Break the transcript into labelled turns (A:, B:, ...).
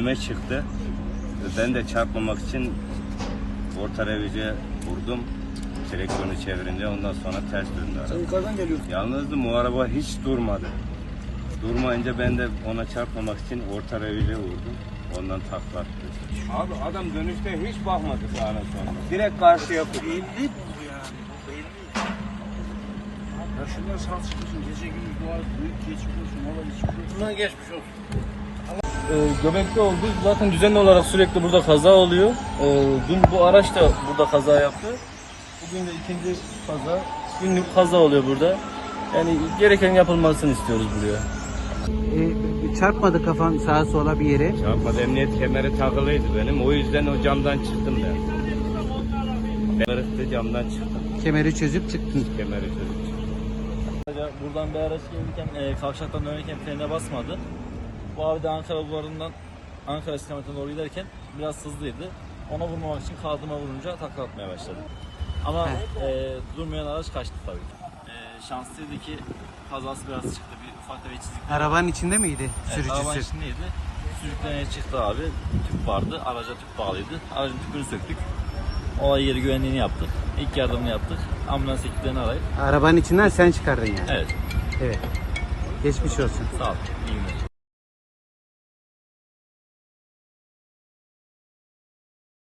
A: önüme çıktı. Ben de çarpmamak için orta revize vurdum. Direksiyonu çevirince ondan sonra ters döndü araba.
B: Sen yukarıdan geliyorsun.
A: Yalnızdım, o araba hiç durmadı. Durmayınca ben de ona çarpmamak için orta revize vurdum. Ondan takla attı. Abi adam dönüşte hiç bakmadı sağına sonra. Direkt karşıya vurdu.
B: Belli bu yani. Belli. Ya şunlar sağ çıkıyorsun. Gece gündüz dua büyük geçmiş olsun. Valla geçmiş olsun. Bundan geçmiş olsun.
C: Göbekte oldu. Zaten düzenli olarak sürekli burada kaza oluyor. Dün bu araç da burada kaza yaptı. Bugün de ikinci kaza. Günlük kaza oluyor burada. Yani gereken yapılmasını istiyoruz buraya.
D: Çarpmadı kafan sağa sola bir yere.
A: Çarpmadı, emniyet kemeri takılıydı benim. O yüzden o camdan çıktım ben. Kırıktı, camdan çıktım.
D: Kemeri çözüp çıktın.
A: Kemeri çözüp çıktım.
C: Buradan bir araç gelirken kavşaktan dönerken frene basmadı. Bu abi de Ankara bulvarından Ankara istikametine doğru giderken biraz hızlıydı. Ona vurmamak için kağıdıma vurunca takla atmaya başladı. Ama durmayan araç kaçtı tabii ki. Şanslıydı ki kazası biraz çıktı. Bir ufak tefek çizik.
D: Arabanın içinde miydi
C: Evet,
D: sürücüsü?
C: arabanın içindeydi. Sürükleneye çıktı abi. Tüp vardı. Araca tüp bağlıydı. Aracın tüpünü söktük. Olay yeri güvenliğini yaptık. İlk yardımını yaptık. Ambulans ekiplerini arayıp.
D: Arabanın içinden sen çıkardın yani.
C: Evet.
D: Evet. Geçmiş olsun.
C: Sağ ol. İyi günler.